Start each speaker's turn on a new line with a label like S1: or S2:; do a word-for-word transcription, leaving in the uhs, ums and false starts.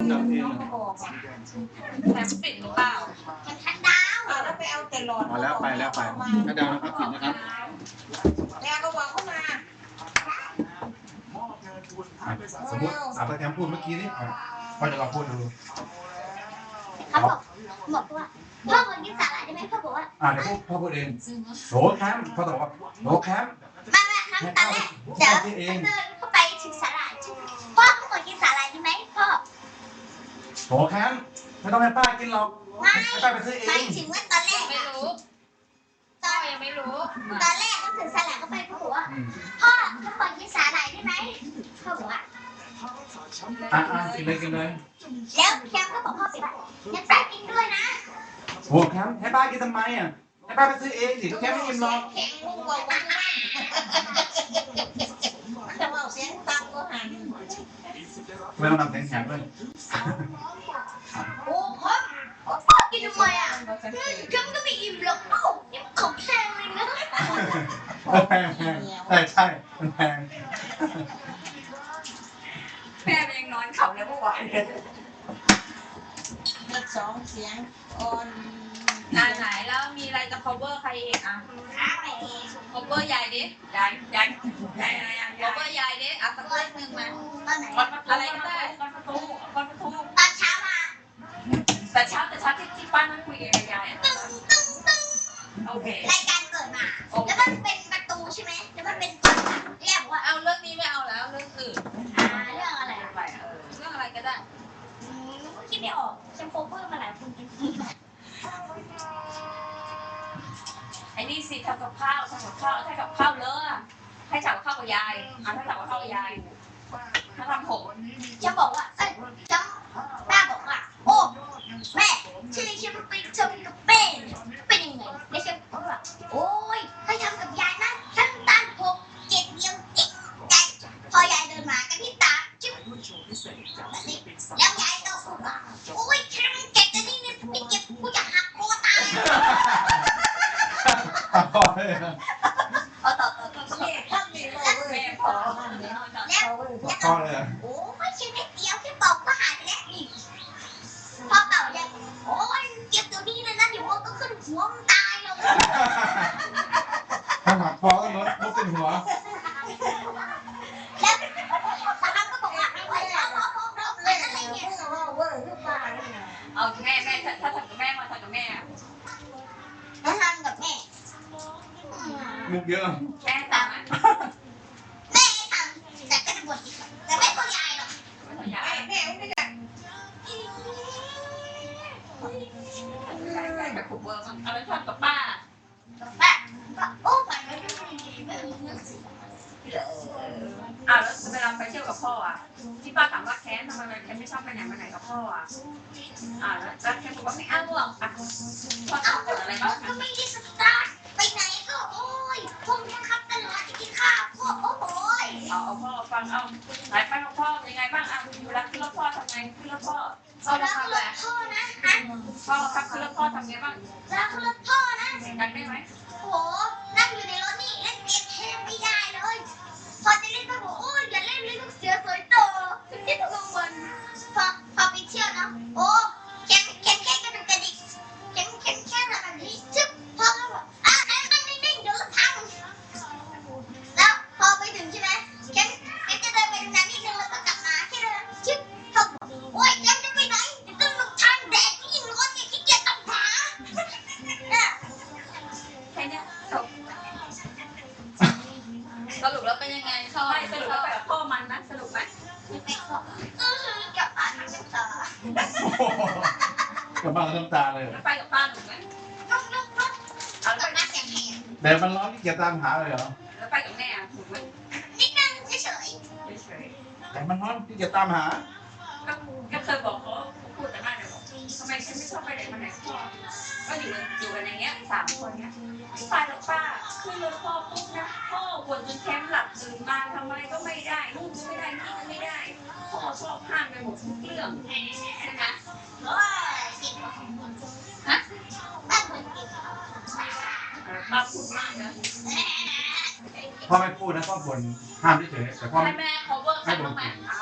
S1: ดับเอง
S2: แถมปิดหรือเปล่า
S3: มันทันดาว
S4: แล้วไปเอาแต่หลอด
S1: มาแล้วไปแล้วไปถ้าดาวนะครับผิดนะครับ
S4: แล้วก็วางเข้ามา
S1: สมมติอาตาแคมพูดเมื่อกี้นี่พ่อจะลองพูดดู
S3: เขาบอกบอกว่าพ่อคนกินสาหร่ายได้ไหมพ่อบอกว่า
S1: อ่าเดี๋ยวพ่อพูดเองโหแคมพ่อตอบว่าโหแคม
S3: มาแม่น้ำตาแรกเดี๋ยวเดินเข้าไปถึงสาหร่ายพ่อพ่อคนกินสาหร่ายได้ไหมพ่อ
S1: โหแคมไม่ต้องให้ป้ากินหรอกให้ป้าไปซื้อเอ
S3: หมาย
S1: ง
S3: ถึงว่าตอนแรก
S2: ไม่
S3: อะ
S2: รู้
S3: ตอน
S2: ยังไม่รู้
S3: ตอนแรกก็ถึงสาหร่ายเข้าไปพ่อบอกว่าพ่อพ่อคนกินสาหร่ายได้ไหมพ่อบอกว่า
S1: อ่ะอ่ะกินเลยกินเลย
S3: แล้วแคมก็บอกพ่อไปว่างั้นป้ากินด้วยนะ
S1: โหแคมให้ป้ากินทำไมอ่ะให้ป้าไปซื้อเองสิแคมไม่กินหรอก
S4: แข็งลูกบอกว่าจะว่าเสียงตังก็หัน
S1: ไม่ต้องนำแข็งแข็งด้วย
S3: โอ้พ่อพ่อกินทำไมอ่ะแคมก็ไม่อิ่มหรอกลูกนี่มันของแพงเลยนะ
S1: แพงแพงใช่ใช่มันแพง
S2: แม่มันยังนอนเข่าเลยเมื่อวานเลย
S4: เลขสองเสียงอ่อน
S2: อ่าไหนแล้วมีอะไรจะ cover ใครอีกอ่ะ cover ยายดิยายยายยายยาย cover ยายดิอ่ะสักเรื่องหนึ่งมา
S3: ตอนไหน
S2: อะไรก็ได้ก้อนประตูก้อนประตู
S3: ตอนเช้ามา
S2: แต่เช้าแต่เช้าที่ที่ป้านั่งคุยกับยายอ่ะ
S3: ตึ้งตึ้งตึ้ง
S2: โอเค
S3: รายการเกิดมา แล้วมันเป็นประตูใช่ไหมแล้วมันเป็นเรียกว่า
S2: เอาเรื่องนี้ไม่เอาแล้วเรื่องอื่น
S3: อ่าเรื่องอะไร
S2: ไปเออเรื่องอะไรก็ได้
S3: อืมคิดไม่ออกฉันโคเวอร์มาหลายคนจริง
S2: ไอ้นี่สิทำกับข้าวทำกับข้าวถ้ากับข้าวเลอะให้จับกับข้าวกับยายอ่ะถ้าจับกับข้าวกับยายถ้าทำผม
S3: ๆฉันบอกว่าเอ้ยฉันป้าบอกว่าโอ้แม่ชื่อฉันไปทำกับแม่เป็นยังไงแล้วฉันบอกว่าโอ้ยถ้าทำกับยายนะฉันตาหกเจ็ดเดียวจิ๊กใจพอยายเดินมากันที่ตาจิ๊บแบบนี้แล้วยายก็พูดว่าโอ้ยฉันเก็บแต่นี่เนี่ยไม่เก็บกูจะหักคอตาย
S1: พอเลย
S3: เอาต่อต่อต่อ
S4: นี่ทำนี่เราเว้ยพอมันเนี่ยเราเว้ย
S1: พอเลย
S3: โอ้ยฉันไม่เดียวแค่บอกก็หายไปแล้วนี่พอเป่าเลยโอ้ยเก็บตัวนี้เลยนะเดี๋ยวมันก็ขึ้นหัวมันตายหรอก
S1: ถ้าหักพอก็ลดลดเป็นหัว
S3: แล้วตาก็บอกว่าโอ้ยเอาเอาเอาเอา
S4: เล่น
S3: อะไร
S4: เนี่ย
S3: เนี่ย
S4: เพิ่งว่าเว้ยคือป้าเนี่ย
S2: เอาแม่แม่ถ้าถ้าทำกับแม่มาทำกับแม่
S3: แล้วทำกับแม่
S1: มุกเยอะ
S2: แม่ตามไหม
S3: แม่ทำแต่ก็จะบ่นอีกแต่ไม่ตัวยายหรอก
S2: ไม่อยาก
S4: แม่แม่ไม่ได้
S2: ยายแบบผูกเบอร์มันเอาไปทำกับป้า
S3: แม่ก็โอ้ฝันไม่ได้ไม่มีเงินสิ
S2: อ่าแล้วเวลาไปเที่ยวกับพ่ออ่ะที่ป้าถามว่าแค้นทำไมแค้นไม่ชอบไปไหนมาไหนกับพ่ออ่ะอ่าแล้วแค้นบอกว่าไม่เอาหรอกอ่ะพ่อ
S3: เอา
S2: ทำอะไรบ้าง
S3: ก็ไม่ได้สตาร์ทไปไหนก็โอ้ยผมบังคับตลอดจะกินข้าวพวกโอ้โหย
S2: เอาเอาพ่อฟังเอาไหนไปกับพ่อยังไงบ้างอ่ะอยู่รักขึ้นรถพ่อทำไงขึ้นรถพ่อพ่อ
S3: รั
S2: มาก ทำ
S3: ร
S2: แห
S3: ถ
S2: ละ
S3: พ่อนะฮะ
S2: พ่อครับขึ้นรถพ่อทำไงบ้าง
S3: รักรถพ่อนะ
S2: เสียงดังได้ไหม
S3: โอ้โหนั่งอยู่ในรถนี่เล่นเกมแทบไม่ได้เลย พอจะเล่นก็บอกโอ้ยอย่าเล่นเลยลูกเสือสวยโตที่ทุกวันพอพอไปเที่ยวนะโอ้แข็งแข็งแค่กระดูกกระดิกแข็งแข็งแค่แบบนี้จึ๊บพอก็บอกอ่ะนั่งนั่งนิ่งๆเดี๋ยวรถพังแล้วพอไปถึงใช่ไหมแข็งแข็งจะเดินไปตรงนั้นนิดนึงแล้วก็กลับมาแค่เดินจึ๊บเขาบอกโอ้ยแข็งจะไปไหนจะต้องลงทางแดดที่รถเนี่ยขี้เกียจตามหาเนี่ย
S2: แค่เนี้ยจบสรุปแล้วเป็นยังไงชอบไม่สรุปแล้วไปกับพ่อมันนะสรุปไหม
S3: เออกลับบ้านน้ำตา
S1: กับบ้านน้ำตาเลย
S2: แล้วไปกับป้าหนูไหม
S3: ลุกลุกลุก
S2: เอา
S3: ก
S2: แล้
S3: ลั
S2: ว
S3: บ
S2: ไป
S3: มาเสียงแหบ
S1: แดดมันร้อนที่เกียจตามหาเลยเหรอ
S2: แล้วไปกับแม่อ่ะถูกไหม
S3: นิดนึงเฉย
S2: เฉย
S1: แดดมันร้อนที่เกียจตามหา
S2: ๆก็ก็เคยบอกเขาพูดแต่บ้านเดี๋ยวบอกทำไมฉันไม่ชอบไปไหนมาไหนพ่อก็อยู่อยู่กันอย่างเงี้ยสามคนเนี้ยไปแล้วป้าขึ้นรถพ่อปุ๊บนะพ่อปวดจนแคมป์หลับตื่นมาทำอะไรก็ไม่ได้ลูกก็ไม่ได้นี่ก็ไม่ได้พ่อชอบห้ามไปหมดทุกเรื่องใช่ไหม
S3: ๆโอ้ยเก่งฮะบ้านคนเก่ง
S2: ป้าพูดมากนะ
S1: พ่อไม่พูดนะพ่อบ่นห้ามเฉยๆแต่พ่อ
S2: ให้แม่ cover ใครบ้างไหมอ่ะ